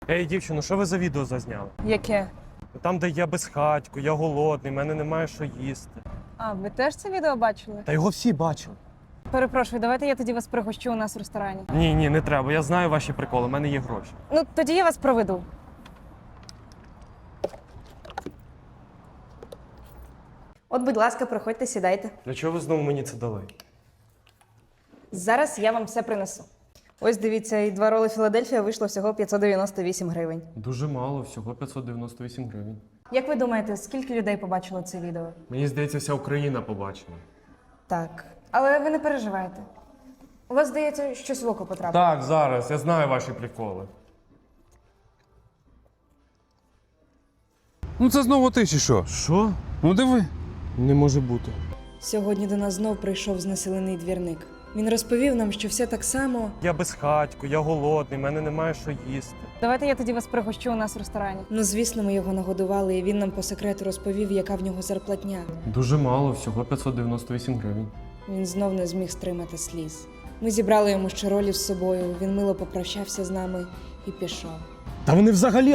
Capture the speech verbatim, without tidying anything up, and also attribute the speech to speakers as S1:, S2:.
S1: Ей, дівчино, що ви за відео зазняли?
S2: Яке?
S1: Там, де я безхатько, я голодний, мене немає що їсти.
S2: А, ви теж це відео бачили?
S1: Та його всі бачили.
S2: Перепрошую, давайте я тоді вас пригощу у нас в ресторані.
S1: Ні, ні, не треба. Я знаю ваші приколи, у мене є гроші.
S2: Ну, тоді я вас проведу. От, будь ласка, проходьте, сідайте.
S1: Для чого ви знову мені це дали?
S2: Зараз я вам все принесу. Ось дивіться, і два роли Філадельфія вийшло всього п'ятсот дев'яносто вісім гривень.
S1: Дуже мало, всього п'ятсот дев'яносто вісім гривень.
S2: Як ви думаєте, скільки людей побачило це відео?
S1: Мені здається, вся Україна побачила.
S2: Так. Але ви не переживайте. У вас, здається, щось в око потрапило.
S1: Так, зараз, я знаю ваші приколи.
S3: Ну це знову ти чи що?
S1: Що?
S3: Ну диви.
S1: Не може бути.
S2: Сьогодні до нас знов прийшов знесилений двірник. Він розповів нам, що все так само.
S1: Я безхатько, я голодний, мене немає що їсти.
S2: Давайте я тоді вас пригощу у нас в ресторані. Ну, звісно, ми його нагодували, і він нам по секрету розповів, яка в нього зарплатня.
S1: Дуже мало, всього п'ятсот дев'яносто вісім гривень.
S2: Він знов не зміг стримати сліз. Ми зібрали йому ще ролі з собою, він мило попрощався з нами і пішов.
S1: Та вони взагалі